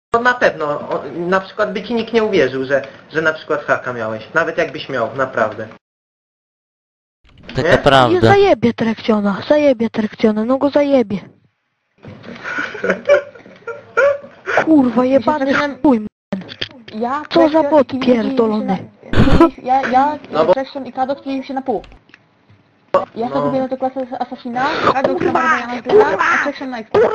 No na pewno, na przykład by ci nikt nie uwierzył, że na przykład haka miałeś. Nawet jakbyś miał, naprawdę. Taka Nie? prawda. Zajebie Trekciona, no go zajebie. Kurwa, jebany chuj. Ja, Co za Traction bot i Kiwi pierdolony. Ja, Traction i Kadok dzielimy się na pół. Ja sobie kupiłem tę klasę Assassina, Kadok na Barbariana Zera, a Traction na Expo.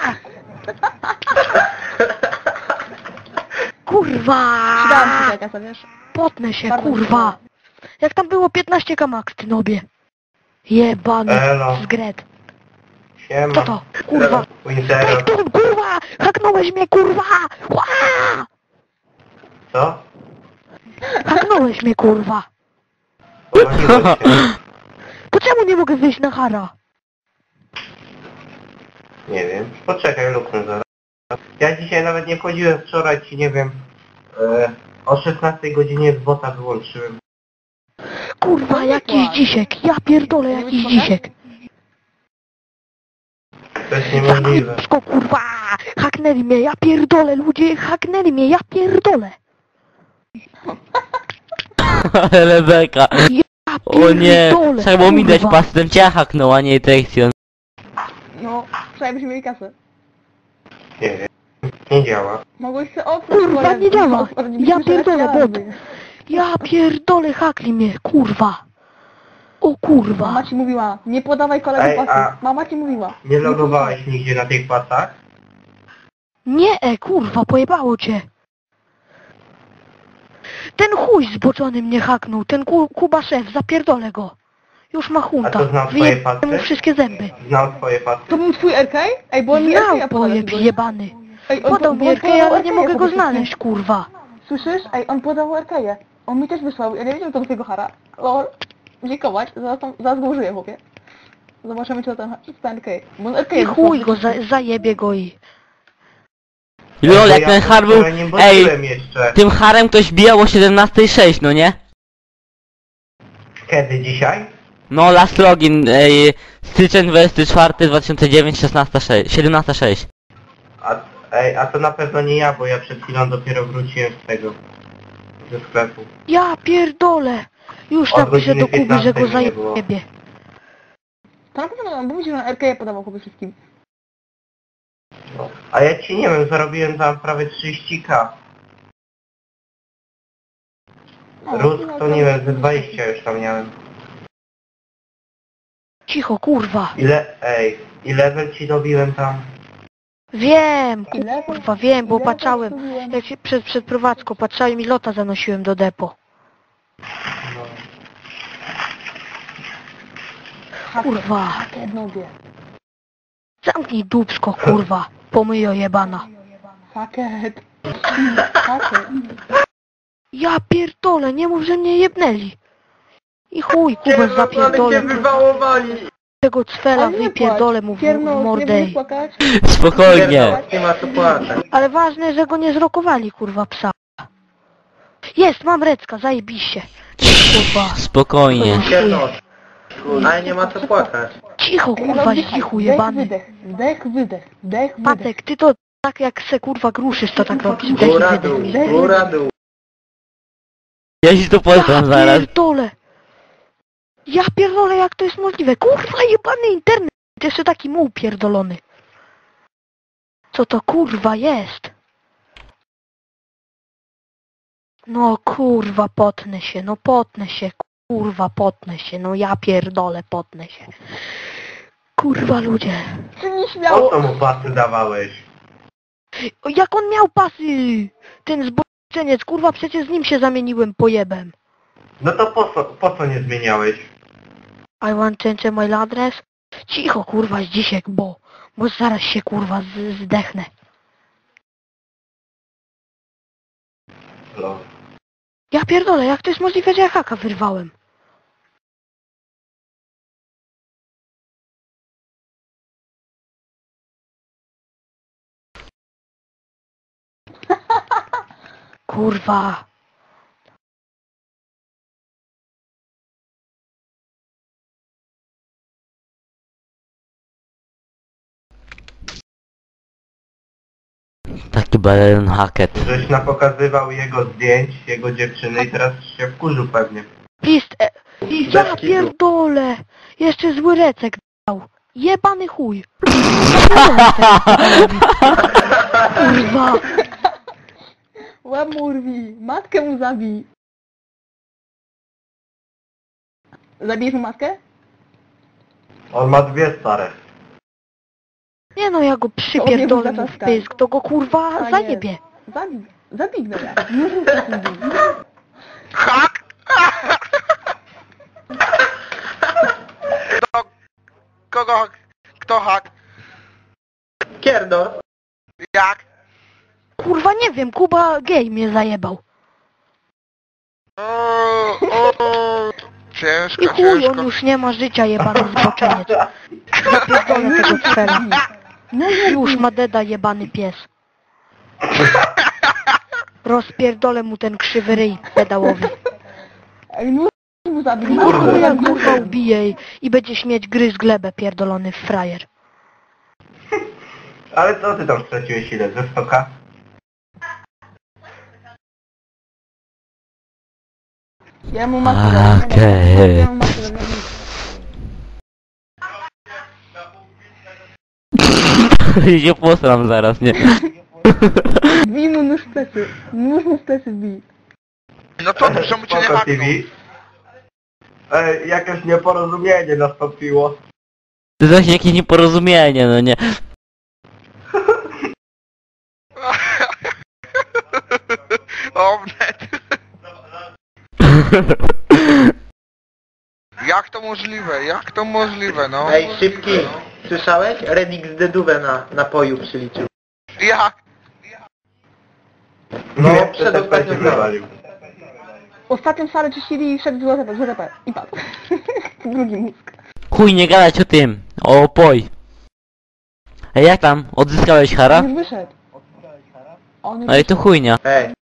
Kurwa! Przydałam ci tę kasę, wiesz? Potnę się, Bardzo kurwa. Jak tam było 15 max, ty nobie. Jebany Elo. zgret. Siema. Co to? Kurwa. Wintero. Trekton, kurwa! Haknąłeś mnie, kurwa! Ła! Co? Haknąłeś mnie, kurwa! Połoniłeś się. To czemu nie mogę wyjść na hara? Nie wiem. Poczekaj, luknę zaraz. Ja dzisiaj nawet nie wchodziłem, wczoraj ci nie wiem. O 16 godzinie z bota wyłączyłem. Kurwa, jakiś dzisiek. Ja pierdolę, jakiś dzisiek. To jest niemożliwe. Zapsko, kurwa! Haknęli mnie, ja pierdolę, ludzie, haknęli mnie, ja pierdolę. Ale beka. Ja O nie, pierdolę, trzeba było mi dać kurwa. pas, ten cię haknął, a nie Trektion. No, przynajmniej byśmy mieli kasę. Nie wiem. Nie działa. Mogłeś sobie oprócz Kurwa, nie działa. Ja pierdolę, bot. Ja pierdolę, hakli mnie, kurwa. O kurwa. Mama ci mówiła, nie podawaj kolegi Ej, pasy. a- Mama ci mówiła. Nie logowałeś nigdzie na tych pasach? Nie, kurwa, pojebało cię. Ten chuj zboczony mnie haknął, ten Kuba szef, zapierdolę go. Już ma A hunta, to znał twoje wyjebę pasy? mu wszystkie zęby. Znał twoje pasy? To był twój RK? Ej, bo on mi RK Znał pojeb jebany. Ej, Podał mi RK, ale nie mogę go znaleźć, kurwa. Słyszysz? Ej, on podał RK-je. On mi też wysłał, ja nie wiedziałem, co do twojego hara. Lol. Dziękować, zaraz go użyję, chłopie. Zobaczymy, czy to ten RK. Bo on RK I chuj go, zajebie go i... Lol, jak Ja ten har był... wczoraj nie Ej, bodziłem jeszcze. tym harem ktoś bijał o 17:06, no nie? Kiedy? Dzisiaj? No, last login, styczeń 24, 2009, 16:06, 17:06. A to na pewno nie ja, bo ja przed chwilą dopiero wróciłem z tego. Ze sklepu. Ja pierdolę. Już Od napiszę do godziny Kuby, że go 15 nie było. zajebie. To na pewno, bo mi się, że on RK-je podawał chłopie wszystkim. No. A ja ci nie wiem, zarobiłem tam prawie 30k. Rusk to nie wiem, ze 20 już tam miałem. Cicho, kurwa. I level ci dobiłem tam. Wiem, Ile? kurwa, wiem, bo Ile patrzałem. zrobiłem? Jak się przed prowadzką patrzałem i lota zanosiłem do depo. No. Kurwa. Haker nobie. Zamknij dupsko, kurwa. Pomyjo jebana. Haker. Haker. Ja pierdolę, nie mów, że mnie jebnęli. I chuj, Kubę Ale cię zapierdolę. wywałowali! Tego cwela Ale nie wypierdolę mu w Pierno, nie mordę. będziesz płakać? Spokojnie. Nie ma co płakać. Ale ważne, że go nie zrokowali, kurwa, psa. Jest, mam Recka, zajebiście. Kurwa. Spokojnie. Pierdol. Ale nie ma co płakać. Cicho, kurwa, cichu jebany. Wydech, wdech, wydech, wdech, wydech. Patek, ty to tak jak se kurwa gruszysz, to tak robisz. Dech i Góra dół, wydech. góra dół. Ja ci to poznam zaraz. Pierdolę. Ja pierdolę, jak to jest możliwe. Kurwa, jebany internet. Jeszcze taki muł pierdolony. Co to kurwa jest? No kurwa, potnę się, no potnę się. Kurwa, potnę się, no ja pierdolę, potnę się. Kurwa, ludzie. Czy nie Po śmiało? co mu pasy dawałeś? O, jak on miał pasy? Ten zboczeniec, kurwa, przecież z nim się zamieniłem pojebem. No to po co nie zmieniałeś? I want change my address. Cicho, kurwa, z dzisiek, bo zaraz się, kurwa, zdechnę. No. Ja pierdolę, jak to jest możliwe, że ja haka wyrwałem? Kurwa. Taki balon hacket. Żeś napokazywał jego zdjęć, jego dziewczyny i teraz się wkurzył pewnie. Pist, ja Bez kitu. pierdolę. Jeszcze zły recek dał. Jebany chuj. Kurwa. Łeb mu urwij, matkę mu zabij. Zabijesz mu matkę? On ma dwie stare. Nie no, ja go przypierdolę mu w pysk, to go kurwa Tak zajebie. Zabij go ja. Już mu takim bij. Hak! Kogo? Kto hak? Kierdor. Jak? Kurwa nie wiem, Kuba gej mnie zajebał. Ciężko, I chuj, on ciężko. już nie ma życia, jebany zboczeniec. Pierdolę tego cfela. Już ma deda, jebany pies. Rozpierdolę mu ten krzywy ryj pedałowy. Ej, no mu zabij. Kurwa, ja kurwa ubiję i będzie śmieć gryz glebę, pierdolony frajer. Ale co ty tam straciłeś ile? Ze 100k? Ja mu matkę zabijam. Okej. Ja mu matkę zabijam. się posram zaraz, nie? Bij mu nóż w plecy. Nóż mu w plecy bij. No to czemu cię nie Spoko, haknął? TV. Ej, jakieś nieporozumienie nastąpiło. To jest jakieś nieporozumienie, no nie? Omnet. Jak to możliwe? Jak to możliwe, no? Ej, szybki. Słyszałeś? Redix dedówę na napoju przyliczył. Jak? No, Nie, przedostatnio przedostatnio wywalił. Ostatnią salę czyścili i wszedł z ZP. I padł. Drugi mózg. Chuj, nie gadać o tym. O opoj. Ej, jak tam? Odzyskałeś hara? Już wyszedł. On już Ej, to chujnia. Ej,